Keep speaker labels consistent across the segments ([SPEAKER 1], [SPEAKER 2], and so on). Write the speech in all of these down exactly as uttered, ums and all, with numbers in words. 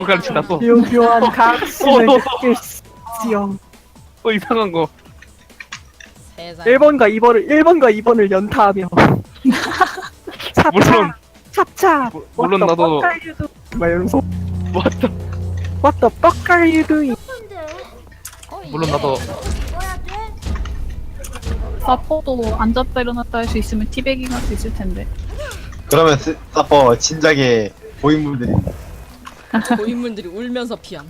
[SPEAKER 1] 가르친다 또.
[SPEAKER 2] 묘묘한 각신을
[SPEAKER 1] 어, 어, 어.
[SPEAKER 2] 느낄지요.
[SPEAKER 1] 또 이상한 거.
[SPEAKER 3] 세상.
[SPEAKER 2] 일 번과 이 번을 일 번과 이 번을 연타하며 찹찹
[SPEAKER 1] 물론
[SPEAKER 2] 찹찹
[SPEAKER 1] 물- 물론 나도-
[SPEAKER 2] 막 이러면서
[SPEAKER 1] 맞다.
[SPEAKER 2] What the fuck are you doing?
[SPEAKER 3] 어,
[SPEAKER 1] 물론
[SPEAKER 3] 이게
[SPEAKER 1] 나도
[SPEAKER 4] 사포도 앉았다 일어났다 할 수 있으면 티베깅 할 수 있을 텐데.
[SPEAKER 5] 그러면 스- 사퍼 진작에 고인물들이
[SPEAKER 3] 고인물들이 울면서 피함.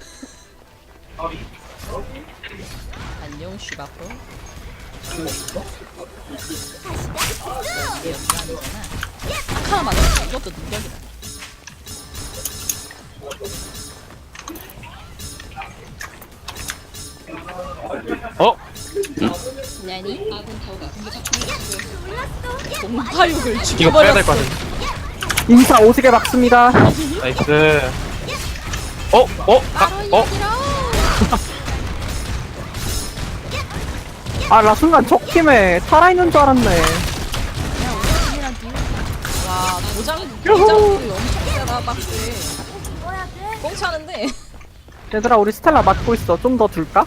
[SPEAKER 3] 안녕 슈바프. 아카 맞았어. 이것도 능력이다.
[SPEAKER 1] 어?
[SPEAKER 3] 나니? 공파육을
[SPEAKER 1] 이거 빼야
[SPEAKER 3] 죽여버렸어.
[SPEAKER 1] 될 것 같은데.
[SPEAKER 2] 인사 오지게 막습니다.
[SPEAKER 1] 나이스. 어? 어? 아, 어?
[SPEAKER 2] 아 나 순간 적 팀에 살아있는 줄 알았네.
[SPEAKER 3] 와 도장 도장도 엄청 세다 박스. 꽁차는데.
[SPEAKER 2] 얘들아 우리 스텔라 맞고 있어. 좀 더 둘까?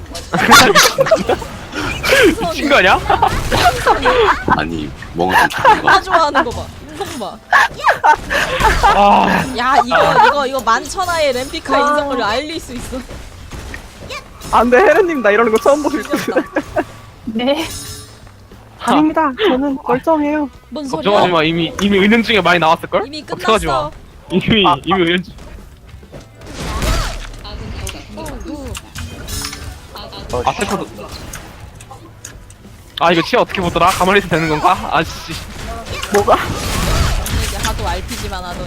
[SPEAKER 1] 미친 거 아니야?
[SPEAKER 6] 아니 뭔가 좀 다른 거
[SPEAKER 3] 나 좋아하는 거 봐. 인성 봐.
[SPEAKER 1] 아,
[SPEAKER 3] 야 이거 이거 이거 만천하의 램피카 인성을 알릴 수 있어.
[SPEAKER 2] 안돼 혜련님 나 이러는 거 처음 보실 거
[SPEAKER 3] 죽였다.
[SPEAKER 4] 네.
[SPEAKER 2] 아닙니다. 저는 멀쩡해요.
[SPEAKER 3] 뭔
[SPEAKER 1] 걱정하지
[SPEAKER 3] 소리야?
[SPEAKER 1] 마. 이미 이미 은연 중에 많이 나왔을 걸?
[SPEAKER 3] 이미
[SPEAKER 1] 걱정하지 마.
[SPEAKER 3] 끝났어.
[SPEAKER 1] 이미
[SPEAKER 2] 아,
[SPEAKER 1] 이미 은연 중.
[SPEAKER 3] 어,
[SPEAKER 1] 아 세포도. 아 이거 치아 어떻게 보더라? 가만히 있으면 되는 건가? 아씨.
[SPEAKER 2] 뭐가?
[SPEAKER 3] 이제 하도 알피지만 하던.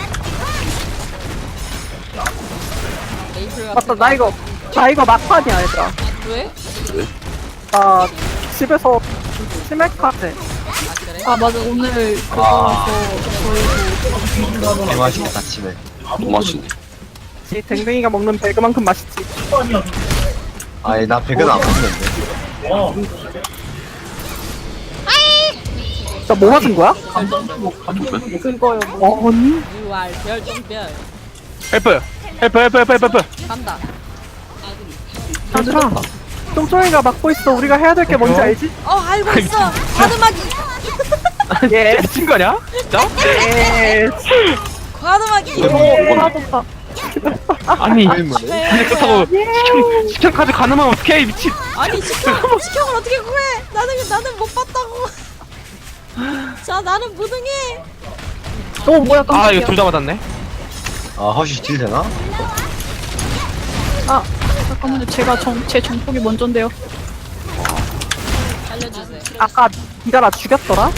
[SPEAKER 3] 메이플 같은
[SPEAKER 2] 맞다 나 이거 나 이거 막판이야 얘들아.
[SPEAKER 3] 왜?
[SPEAKER 2] 나 집에서 치맥카세.
[SPEAKER 3] 아 그래?
[SPEAKER 4] 아 맞아 오늘 그거라서 저희도
[SPEAKER 5] 개맛있게 다치네.
[SPEAKER 6] 너무 맛있네.
[SPEAKER 2] 이 댕댕이가 먹는 배그만큼 맛있지.
[SPEAKER 5] 아니 나 백은 안 먹는데.
[SPEAKER 2] 나 뭐 맞은 거야?
[SPEAKER 4] 그거요.
[SPEAKER 2] 어, 언니?
[SPEAKER 3] U R 별똥별
[SPEAKER 1] 헬프. 헬프 헬프 헬프 헬프 헬프.
[SPEAKER 3] 간다.
[SPEAKER 2] 얘들아 쫑쫑이가 막고 있어. 우리가 해야 될 게 뭔지 알지?
[SPEAKER 3] 어 알고 있어. 과드마기
[SPEAKER 2] 예.
[SPEAKER 1] 미친 거 아니야? 진짜?
[SPEAKER 2] 예.
[SPEAKER 3] 과드마기.
[SPEAKER 2] 예. 사줬다.
[SPEAKER 1] 아니.
[SPEAKER 5] 고인물이?
[SPEAKER 1] 아니 그렇다고 시청 시청까지 가능하면 어떡해 미친.
[SPEAKER 3] 아니 시켜 시켜을 어떻게 구해? 나는 나는 못 봤다고. 자 나는 무능해.
[SPEAKER 4] 어 뭐야
[SPEAKER 1] 아
[SPEAKER 4] 깜짝이야.
[SPEAKER 1] 이거 둘 다 맞았네.
[SPEAKER 5] 아 허쉬 딜 되나?
[SPEAKER 4] 아 잠깐만요. 제가 정, 제 정폭이 먼저인데요.
[SPEAKER 3] 알려주세요.
[SPEAKER 2] 아까 니가 나 죽였더라?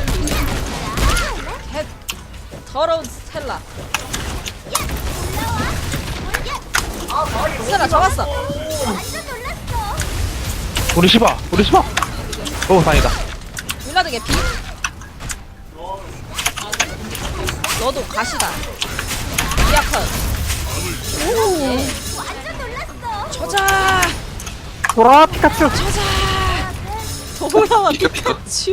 [SPEAKER 3] 더러운 스텔라. 스텔라 잡았어.
[SPEAKER 1] 우리 시바. 우리 시바. 오 다행이다.
[SPEAKER 3] 윌라드 개피. 너도 가시다. 이아컨. 오. 저자.
[SPEAKER 2] 돌아와 피카츄.
[SPEAKER 3] 저자. 돌아와
[SPEAKER 6] 피카, 피카.
[SPEAKER 3] 피카츄.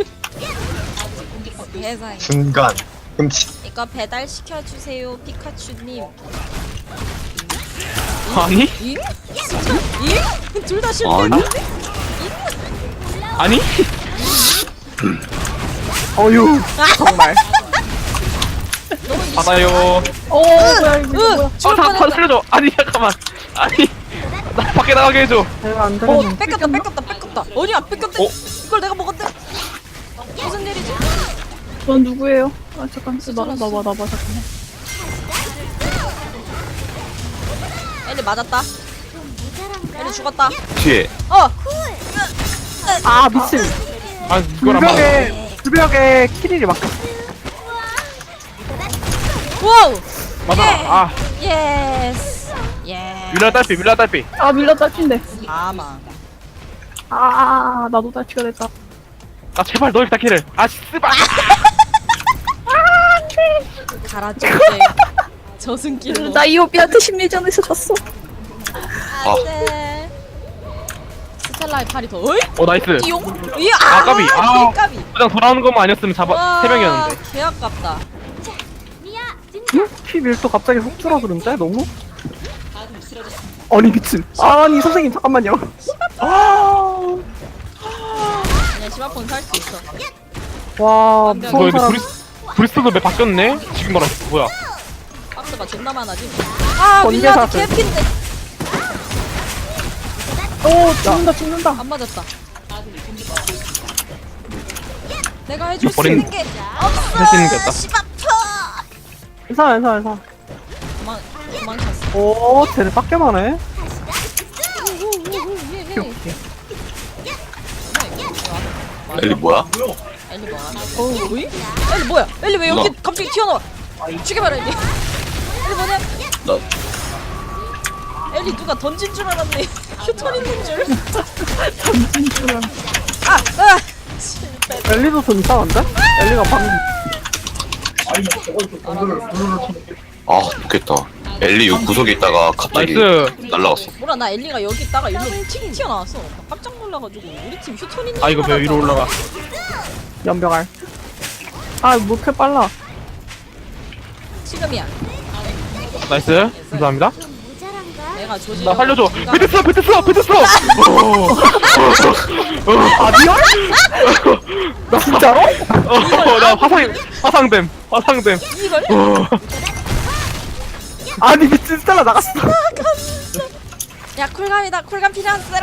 [SPEAKER 3] 세상에.
[SPEAKER 5] 순간 끔찍.
[SPEAKER 3] 이거 배달 시켜주세요, 피카츄님.
[SPEAKER 1] 아니?
[SPEAKER 3] 잉? 진짜? 잉? 둘 다 실패.
[SPEAKER 6] 아니?
[SPEAKER 1] 아니?
[SPEAKER 2] 어휴 정말.
[SPEAKER 3] 너무 이
[SPEAKER 1] 받아요.
[SPEAKER 4] 어 뭐야 이거 뭐야.
[SPEAKER 3] 으! 죽을
[SPEAKER 1] 아, 다, 다
[SPEAKER 3] 뻔했다.
[SPEAKER 1] 살려줘. 아니, 잠깐만. 아니, 나 밖에 나가게 해줘.
[SPEAKER 2] 내가 안
[SPEAKER 3] 어,
[SPEAKER 2] 되겠네.
[SPEAKER 3] 뺏겼다, 뺏겼다, 뺏겼다. 어디야, 뺏겼대.
[SPEAKER 1] 어?
[SPEAKER 3] 이걸 내가 먹었대. 무슨 일이지?
[SPEAKER 4] 넌 누구예요? 아 잠깐 나 나봐 나봐 잠깐만.
[SPEAKER 3] 엘리 맞았다. 엘리 죽었다.
[SPEAKER 6] 뒤에
[SPEAKER 3] 어!
[SPEAKER 2] 아 미친.
[SPEAKER 1] 아, 이거랑 막.
[SPEAKER 2] 불벽에 불벽에 키릴이 막혔어.
[SPEAKER 3] 와우!
[SPEAKER 1] 맞아. 아,
[SPEAKER 3] 예스! 예.
[SPEAKER 1] 윌라 딸피, 윌라 딸피.
[SPEAKER 4] 아 밀라 딸핀데.
[SPEAKER 3] 아마.
[SPEAKER 4] 아, 아, 아 나도 딸피가 됐다.
[SPEAKER 1] 아, 제발 너 일단 킬을. 아, 씨발.
[SPEAKER 3] 가라, 좁게. 저승길로.
[SPEAKER 4] 나 이오비한테 심리전에서 졌어.
[SPEAKER 3] 안 돼. 스텔라의 팔이 더, 어이?
[SPEAKER 1] 어, 나이스.
[SPEAKER 3] 띠용? 이야!
[SPEAKER 1] 아, 까비. 아,
[SPEAKER 3] 까비.
[SPEAKER 1] 그냥 돌아오는 것만 아니었으면 잡아, 세 명이었는데.
[SPEAKER 3] 개 아깝다.
[SPEAKER 2] 응? 십일 도 갑자기 훅 줄어드는데? 너무? 아니 미친 아니 선생님 잠깐만요 아,
[SPEAKER 3] 그냥 시바폰 살 수 있어.
[SPEAKER 2] 와
[SPEAKER 3] 뭐야,
[SPEAKER 2] 무서운
[SPEAKER 1] 뭐야 근데
[SPEAKER 2] 사람
[SPEAKER 1] 브리스 브리스도 왜 바뀌었네? 지금 거랑 뭐야?
[SPEAKER 3] 박스가 존나 많아지. 아
[SPEAKER 2] 번개
[SPEAKER 3] 밀려한테
[SPEAKER 2] 사슬.
[SPEAKER 3] 개핀데
[SPEAKER 2] 오 죽는다 죽는다
[SPEAKER 3] 안 맞았다. 내가 해줄 수
[SPEAKER 1] 버린-
[SPEAKER 3] 있는 게 없어.
[SPEAKER 1] 할 수 있는 게 없다.
[SPEAKER 3] 시바폰.
[SPEAKER 2] 괜찮아 괜찮아 괜찮아
[SPEAKER 3] 도망 도망쳤어.
[SPEAKER 2] 오 쟤네 빡게만해
[SPEAKER 3] 오오오오예예.
[SPEAKER 6] 엘리 뭐야?
[SPEAKER 3] 엘리 뭐야? 어 뭐이? 엘리 뭐야? 엘리 왜 여기
[SPEAKER 6] 누나.
[SPEAKER 3] 갑자기 튀어나와? 죽여봐라 엘리. 엘리 뭐냐?
[SPEAKER 6] 나
[SPEAKER 3] 엘리 누가 던진 줄 알았네. 휴톤 있는 줄.
[SPEAKER 4] 진짜.
[SPEAKER 3] 아! 아! 실패.
[SPEAKER 2] 엘리도 좀 이상한데? 엘리가 방금
[SPEAKER 6] 아 좋겠다. 엘리 요 구석에 있다가 갑자기
[SPEAKER 1] 나이스.
[SPEAKER 6] 날라갔어.
[SPEAKER 3] 뭐라 나 엘리가 여기 있다가 일로 튀 튀어나왔어. 나 깜짝 놀라가지고 우리 팀 휴톤 있는
[SPEAKER 1] 아 이거
[SPEAKER 3] 줄
[SPEAKER 1] 왜 위로
[SPEAKER 3] 알았잖아.
[SPEAKER 1] 올라가?
[SPEAKER 2] 연병할 아 뭐 이렇게 빨라
[SPEAKER 3] 지금이야.
[SPEAKER 1] 나이스. 감사합니다.
[SPEAKER 3] 내가 조지.
[SPEAKER 1] 나 살려줘. 베테스 베테스 베테스.
[SPEAKER 2] 아니야? 나 진짜로?
[SPEAKER 1] 어나 화상 화상됨 화상됨.
[SPEAKER 3] 이걸?
[SPEAKER 1] 어.
[SPEAKER 2] 아니 미친 스텔라 나갔어
[SPEAKER 3] 야 쿨감이다. 쿨감 필요한 세럼.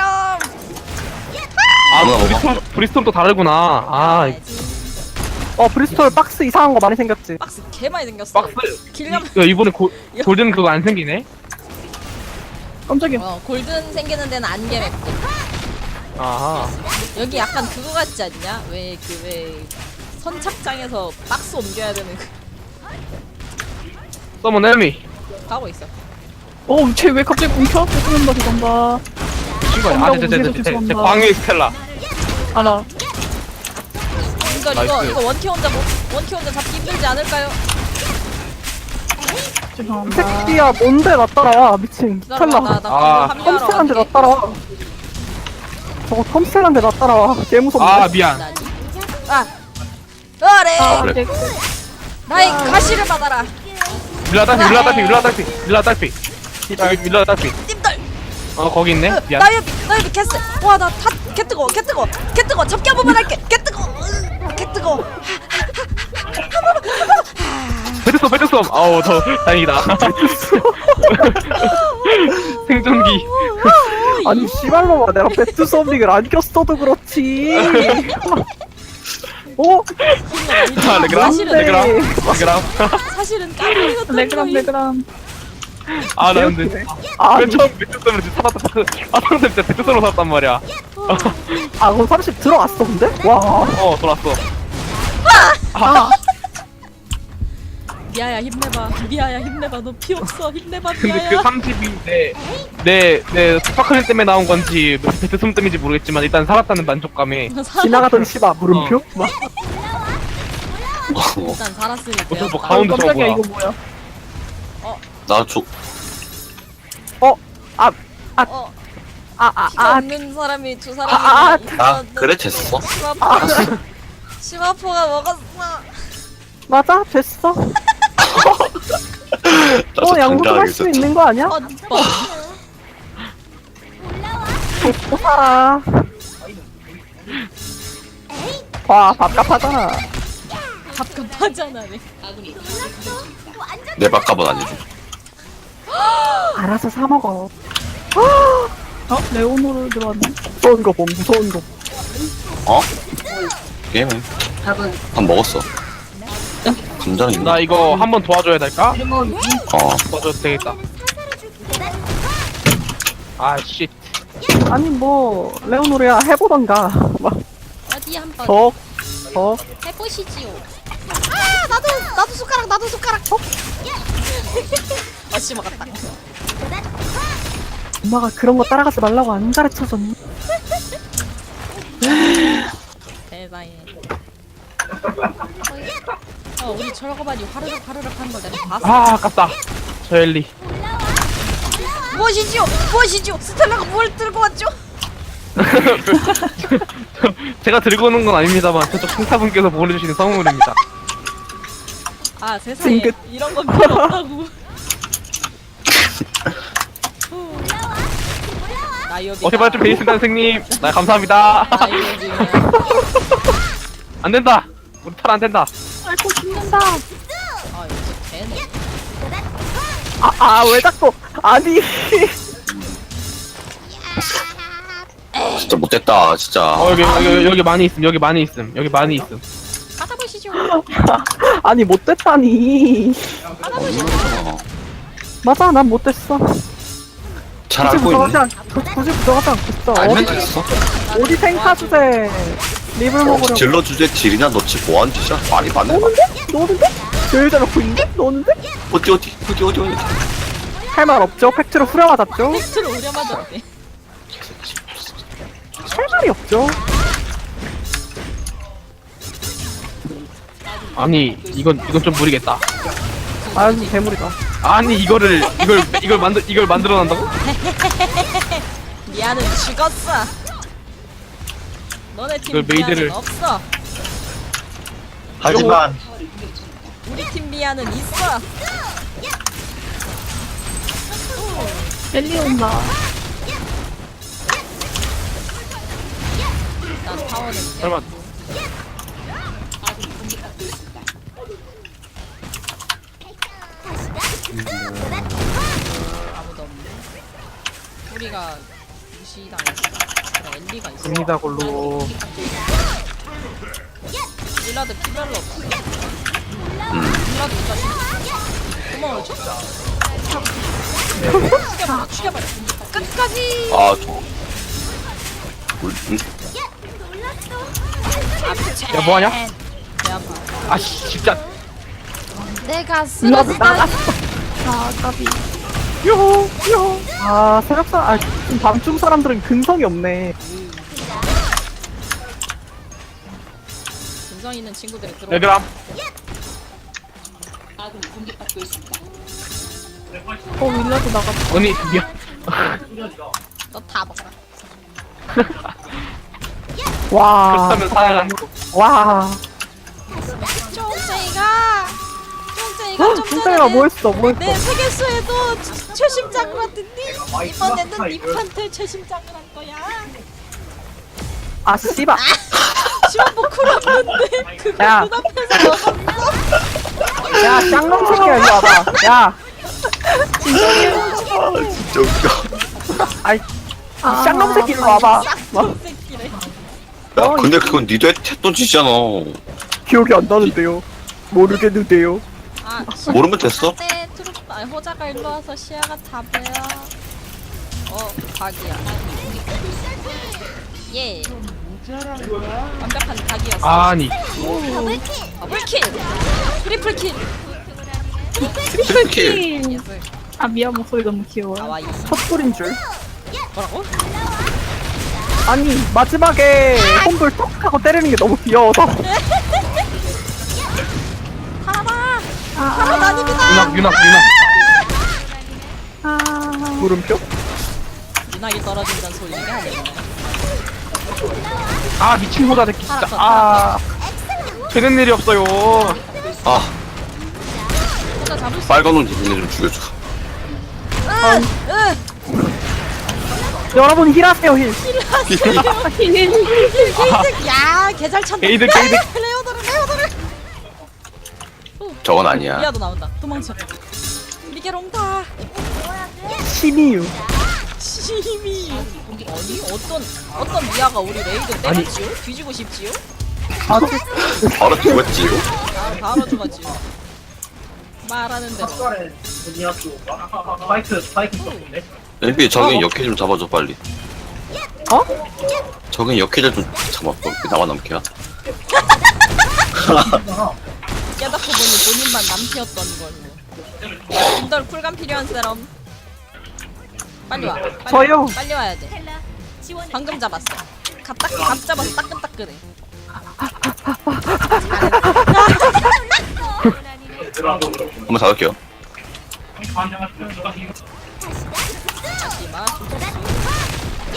[SPEAKER 1] 아
[SPEAKER 6] 뭐야, 뭐야?
[SPEAKER 1] 브리스톤 브리스톤 또 다르구나. 아
[SPEAKER 3] 알지.
[SPEAKER 2] 어 브리스톨 박스 이상한 거 많이 생겼지
[SPEAKER 3] 박스 개 많이 생겼어.
[SPEAKER 1] 박스.
[SPEAKER 3] 길감.
[SPEAKER 1] 야 이번에 고, 골든 그거 안 생기네.
[SPEAKER 4] 깜짝이야.
[SPEAKER 3] 어 골든 생기는 데는 안개 맵고.
[SPEAKER 1] 아하.
[SPEAKER 3] 여기 약간 그거 같지 않냐? 왜 그 왜 선착장에서 박스 옮겨야 되는 그
[SPEAKER 1] 서먼 에미.
[SPEAKER 3] 가고 있어.
[SPEAKER 4] 어, 쟤 왜 갑자기 뭉쳐? 죄송합니다, 죄송합니다.
[SPEAKER 1] 친구야. 아 제제제제 제 광의 스텔라.
[SPEAKER 4] 알아.
[SPEAKER 3] 이거 이거
[SPEAKER 1] 나이스.
[SPEAKER 3] 이거 원키 혼자 못 원키 혼자 잡기 힘들지 않을까요?
[SPEAKER 2] 이
[SPEAKER 4] 죄송합니다.
[SPEAKER 2] 새끼야 뭔데 나 따라와 미친
[SPEAKER 3] 기다려봐
[SPEAKER 2] 스텔라
[SPEAKER 3] 나나
[SPEAKER 1] 아,
[SPEAKER 3] 합류하러
[SPEAKER 2] 텀스텔한테 나
[SPEAKER 3] 갈게.
[SPEAKER 2] 따라와 저거 텀스텔한테 나 따라와 개 무섭네
[SPEAKER 1] 아 미안.
[SPEAKER 3] 나지. 아 그래
[SPEAKER 4] 아,
[SPEAKER 6] 그래.
[SPEAKER 4] 네.
[SPEAKER 3] 나의 가시를 받아라.
[SPEAKER 1] 밀라 딸피 밀라 딸피 밀라 딸피 밀라 딸피. 여기 밀라 딸피.
[SPEAKER 3] 님들
[SPEAKER 1] 어 거기 있네.
[SPEAKER 3] 으,
[SPEAKER 1] 미안.
[SPEAKER 3] 나유비 나유비 캐스. 와나개 뜨거 개 뜨거 개 뜨거 잡기 한 번만 할게. 개 뜨거 으, 개 뜨거.
[SPEAKER 1] 베트썸 베트썸. 아우 저 다행이다. 생존기.
[SPEAKER 2] 아니 씨발로마 내가 배트 서빙을 안 꼈어도 그렇지 어?
[SPEAKER 1] 아 레그람
[SPEAKER 3] 사실은-
[SPEAKER 1] 레그람 레그람.
[SPEAKER 3] 사실은 까불이었던
[SPEAKER 4] 레그람,
[SPEAKER 3] 거임.
[SPEAKER 4] 레그람.
[SPEAKER 1] 아나 근데
[SPEAKER 2] 아,
[SPEAKER 1] 맨 처음 베트썸을 진짜 살았다. 아 상대 진짜 베트썸으로 살았단 말이야.
[SPEAKER 2] 아 그럼 삼십 들어갔어 근데? 와
[SPEAKER 1] 어 돌았어.
[SPEAKER 2] 아,
[SPEAKER 3] 미아야 힘내봐. 미아야 힘내봐. 너 피 없어. 힘내봐
[SPEAKER 1] 근데 그
[SPEAKER 3] 미아야.
[SPEAKER 1] 삼십이 내내내 스파클링 때문에 나온 건지 베트썸 때문인지 모르겠지만 일단 살았다는 만족감에
[SPEAKER 2] 지나가던 씨바 물음표? 막
[SPEAKER 6] 어,
[SPEAKER 3] 일단 살았으니
[SPEAKER 1] 무슨
[SPEAKER 3] 돼요.
[SPEAKER 1] 뭐
[SPEAKER 4] 아,
[SPEAKER 1] 가운데 저거
[SPEAKER 4] 깜짝이야,
[SPEAKER 1] 뭐야?
[SPEAKER 4] 이거 뭐야.
[SPEAKER 6] 나 저,
[SPEAKER 3] 어
[SPEAKER 2] 아, 아,
[SPEAKER 3] 피가
[SPEAKER 2] 아,
[SPEAKER 3] 없는 사람이 두 사람이
[SPEAKER 2] 아, 아,
[SPEAKER 6] 아 그래 됐어.
[SPEAKER 3] 시마포 시마포가 먹었어.
[SPEAKER 2] 맞아 됐어 어
[SPEAKER 6] 나도
[SPEAKER 2] 양보할 수
[SPEAKER 6] 당당하게
[SPEAKER 2] 있는 거 아니야?
[SPEAKER 3] 어 오빠.
[SPEAKER 2] 또 살아 와 밥값하잖아
[SPEAKER 3] 갑갑하잖아. 네.
[SPEAKER 6] 내 밥값은 안 해줘.
[SPEAKER 2] 알아서 사 먹어
[SPEAKER 4] 어? 레오노르 들어왔네.
[SPEAKER 2] 무서운 거봄 무서운 거
[SPEAKER 6] 어? 게임해. 밥 먹었어. 감자는 있나?
[SPEAKER 1] 나 이거 한번 도와줘야 될까?
[SPEAKER 6] 어.
[SPEAKER 1] 도와줘도 되겠다. 아 씨.
[SPEAKER 2] 아니 뭐 레오노르야 해보던가 막
[SPEAKER 3] 어디 한번
[SPEAKER 2] 적, 적
[SPEAKER 3] 해보시지요. 아 나도 나도 숟가락 나도 숟가락. 어? 아씨 먹었다.
[SPEAKER 2] 엄마가 그런 거 따라가지 말라고 안 가르쳐줬니?
[SPEAKER 3] 세상에. 어 우리 철거반이 화르륵 화르륵 하는 걸 내가 봤어.
[SPEAKER 1] 아 아깝다. 저 엘리.
[SPEAKER 3] 무엇이지요? 무엇이지요? 스텔라가 뭘 들고 왔죠?
[SPEAKER 1] 제가 들고 오는 건 아닙니다만 저쪽 승타분께서 보내주시는 선물입니다.
[SPEAKER 3] 아 세상에
[SPEAKER 2] 징긋.
[SPEAKER 3] 이런 건 필요 없다고. 나이오비.
[SPEAKER 1] 어 제발 좀 베이스 선생님. 나 감사합니다.
[SPEAKER 3] 나이오비.
[SPEAKER 1] 안 된다. 우리 탈 안 된다.
[SPEAKER 4] 아이고 죽는다.
[SPEAKER 3] 아 이거 되네.
[SPEAKER 2] 아, 아, 왜 자꾸. 아니.
[SPEAKER 6] 진짜 못됐다 진짜.
[SPEAKER 1] 어 여기 여기 여기 많이 있음. 여기 많이 있음. 여기 많이 있음.
[SPEAKER 3] 받아보시죠.
[SPEAKER 2] 아니, 못됐다니.
[SPEAKER 3] 받아보시죠.
[SPEAKER 6] 어,
[SPEAKER 2] 맞아, 난 못됐어.
[SPEAKER 6] 잘
[SPEAKER 2] 굳이
[SPEAKER 6] 알고
[SPEAKER 2] 부정하지
[SPEAKER 6] 있네.
[SPEAKER 2] 않, 구- 굳이 부정하지 않겠어.
[SPEAKER 6] 알면
[SPEAKER 2] 어디,
[SPEAKER 6] 됐어.
[SPEAKER 2] 어디 생카주제. 립을 먹으려고.
[SPEAKER 6] 딜러 주제 딜이나 넣지 뭐하는 짓이야? 말이 많네.
[SPEAKER 2] 노는데? 노는데? 제일 잘놓고 있는데? 노는데?
[SPEAKER 6] 어디 어디 어디 어디 어디.
[SPEAKER 2] 할 말 없죠? 팩트로 후려맞았죠?
[SPEAKER 3] 팩트로 우려맞았대.
[SPEAKER 2] 할 말이 없죠?
[SPEAKER 1] 아니 이건 이건 좀 무리겠다.
[SPEAKER 2] 아유, 대물이다.
[SPEAKER 1] 아니 이거를 이걸 이걸 만들 이걸 만들어 낸다고?
[SPEAKER 3] 미아는 죽었어. 너네 팀
[SPEAKER 1] 이걸 메이드를-
[SPEAKER 3] 미아는 없어.
[SPEAKER 5] 하지만
[SPEAKER 3] 우리 팀 미아는 있어.
[SPEAKER 4] 랠리 온다.
[SPEAKER 3] 난 파워는
[SPEAKER 1] 설마
[SPEAKER 3] 아무도 없네. 우리가 무시당했어. 그래 엘리가 있어.
[SPEAKER 1] 갑니다 골로.
[SPEAKER 3] 릴라드 피 별로 없어. 릴라드 이거 구멍을 쳐. 죽여버려, 죽여버려. 끝까지.
[SPEAKER 6] 아 저. 물- 음,
[SPEAKER 1] 야 뭐하냐?
[SPEAKER 3] 배 아파.
[SPEAKER 1] 아씨 진짜.
[SPEAKER 3] 내가
[SPEAKER 2] 나도
[SPEAKER 3] 쓰러지다.
[SPEAKER 2] 나갔어.
[SPEAKER 4] 아 까비.
[SPEAKER 2] 요호, 요호. 아, 새벽사, 아, 지금 밤중 사람들은 근성이 없네.
[SPEAKER 3] 근성 있는 친구들이 들어.
[SPEAKER 1] 얘들아
[SPEAKER 4] 어 윌라도 나갔다.
[SPEAKER 1] 언니 미안.
[SPEAKER 3] 너다 먹어라.
[SPEAKER 2] 와,
[SPEAKER 1] 그렇다면 살아가는 거.
[SPEAKER 2] 와.
[SPEAKER 3] 쫑쟁이가 쫑쟁이가 좀
[SPEAKER 2] 진짜가
[SPEAKER 3] 전에
[SPEAKER 2] 뭐 했어, 뭐
[SPEAKER 3] 내
[SPEAKER 2] 했어.
[SPEAKER 3] 세계수에도 최- 최심작을 하더니 이번에는 님한테 최심작을 한 거야.
[SPEAKER 2] 아, 씨발.
[SPEAKER 3] 지원 보쿨 없는데 그거
[SPEAKER 2] 야.
[SPEAKER 3] 눈앞에서 먹었어.
[SPEAKER 2] 야, 쌍놈 새끼야, 이리 와봐. 야,
[SPEAKER 6] 진짜 웃겨.
[SPEAKER 2] 아이, 이 쌍놈 새끼 이리 와봐. 뭐?
[SPEAKER 3] 새끼래.
[SPEAKER 6] 야 근데 그건 니도 했- 했던 짓이잖아.
[SPEAKER 2] 기억이 안 나는데요. 모르겠는데요.
[SPEAKER 3] 아
[SPEAKER 6] 모르면 됐어.
[SPEAKER 3] 네 트루프 아니 호자가 일로 와서 시야가 다 보여. 어 각이야. 예. 완벽한 각이었어.
[SPEAKER 1] 아니
[SPEAKER 3] 더블킬, 트리플킬.
[SPEAKER 6] 트리플킬.
[SPEAKER 4] 아 미아 목소리 너무 귀여워요.
[SPEAKER 3] 나와 이
[SPEAKER 2] 첫돌인 줄.
[SPEAKER 3] 뭐라고?
[SPEAKER 2] 아니, 마지막에 홈볼 톡 하고 때리는 게 너무 귀여워서.
[SPEAKER 3] 하나.
[SPEAKER 4] 아,
[SPEAKER 3] 하나 아닙니다.
[SPEAKER 1] 유낙 유낙 유낙.
[SPEAKER 4] 아
[SPEAKER 2] 물음표?
[SPEAKER 3] 윤학이 떨어진다는 소리가 아니야.
[SPEAKER 1] 아 미친 호자 새끼 진짜. 아 되는 일이 없어요.
[SPEAKER 6] 아
[SPEAKER 3] 호자 잡을 수.
[SPEAKER 6] 빨간 옷 입은 애좀 죽여줘.
[SPEAKER 3] 응, 응.
[SPEAKER 2] 여러분, 힐하세요, 힐.
[SPEAKER 3] 게이득. 야, 개잘 찬다.
[SPEAKER 1] 게이득, 게이득.
[SPEAKER 3] 레오더를, 레오더를.
[SPEAKER 6] 저건 아니야.
[SPEAKER 3] 미아도 나온다. 도망쳐. 미겔 옹다.
[SPEAKER 2] 시미유.
[SPEAKER 3] 심이. 아니 어떤 어떤 미아가 우리 레이드 때렸지요? 뒤지고 싶지요?
[SPEAKER 2] 아직,
[SPEAKER 6] 바로 죽었지 이거.
[SPEAKER 3] 아 바로 죽었지요. 말하는 대로.
[SPEAKER 6] 엠비 저긴 역해 좀 잡아줘 빨리.
[SPEAKER 2] 어?
[SPEAKER 6] 저긴 역해를 좀 잡아봐. 나만 남게야.
[SPEAKER 3] 깨닫고 보니 본인만 남피였던 걸로. 인덜 쿨감 필요한 사람. 빨리 와. 빨리
[SPEAKER 2] 저요.
[SPEAKER 3] 와. 빨리 와야 돼. 방금 잡았어. 갑딱 갑 잡아서 따끈따끈해.
[SPEAKER 6] 한번 잡을게요.
[SPEAKER 3] 하지마.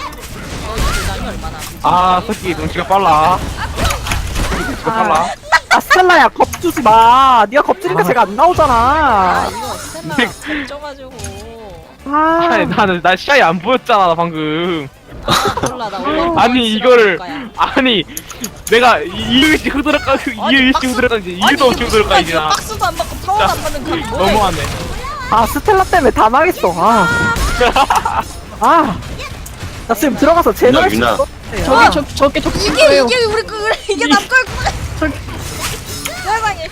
[SPEAKER 3] 너이 대장이 얼마나?
[SPEAKER 1] 아 새끼 눈치가 빨라. 눈치가 빨라.
[SPEAKER 2] 야 스텔라야 겁주지 마. 네가 겁주니까 제가 안
[SPEAKER 3] 아
[SPEAKER 2] 나오잖아.
[SPEAKER 3] 이거 스텔라 겁져가지고.
[SPEAKER 2] 아,
[SPEAKER 1] 아니 나는 나 시야에 안 보였잖아 나 방금.
[SPEAKER 3] 아 몰라 나 원래
[SPEAKER 1] 아니 이거를 아니 내가 이유일치 흐드러까 이유일치 흐드러까지 이유도 없이 흐드러까지 나
[SPEAKER 3] 박스도 안 받고 타워도 안 받는 각이 뭐야?
[SPEAKER 1] 너무하네.
[SPEAKER 2] 아 스텔라 때문에 다 망했어. 아, 아, 나 지금 들어가서 제노 할수
[SPEAKER 6] 유나,
[SPEAKER 2] 있어.
[SPEAKER 4] 저게 저 저게 적친
[SPEAKER 3] 이게
[SPEAKER 4] 거예요.
[SPEAKER 3] 이게 우리 그 이게 남걸 세상에.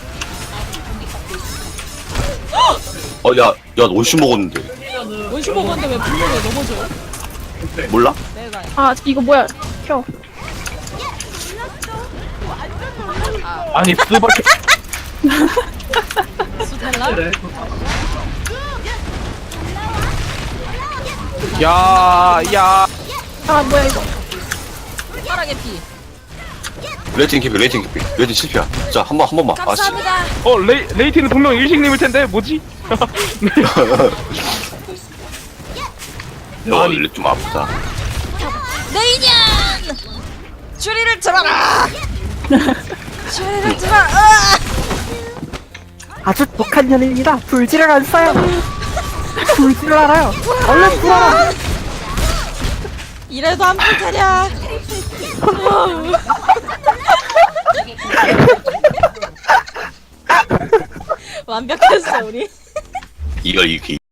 [SPEAKER 6] 어야야 원슈 먹었는데
[SPEAKER 3] 원슈 먹었는데 왜 분노에 넘어져요?
[SPEAKER 6] 몰라?
[SPEAKER 3] 내가
[SPEAKER 4] 아 이거 뭐야? 켜.
[SPEAKER 1] 아니 스바케
[SPEAKER 3] 스텔라?
[SPEAKER 1] 야야
[SPEAKER 4] 아 뭐야 이거?
[SPEAKER 3] 파라게 피.
[SPEAKER 6] 레이팅 캐피 레이팅 캐피 레이팅 실패야 자 한 번 한 번만 아씨
[SPEAKER 3] 감사합니다.
[SPEAKER 1] 어 레이 레이티는 분명 일식님일 텐데 뭐지?
[SPEAKER 6] 너 일레 좀 아프다
[SPEAKER 3] 네이년 추리를 들어라. 추리를 들어라. 으아!
[SPEAKER 2] 아주 독한 년입니다. 불지를 안 써요. 불지를 알아요. 얼른 불어라.
[SPEAKER 3] 이래도 안 불타냐? 완벽했어 우리.
[SPEAKER 6] 이걸 이렇게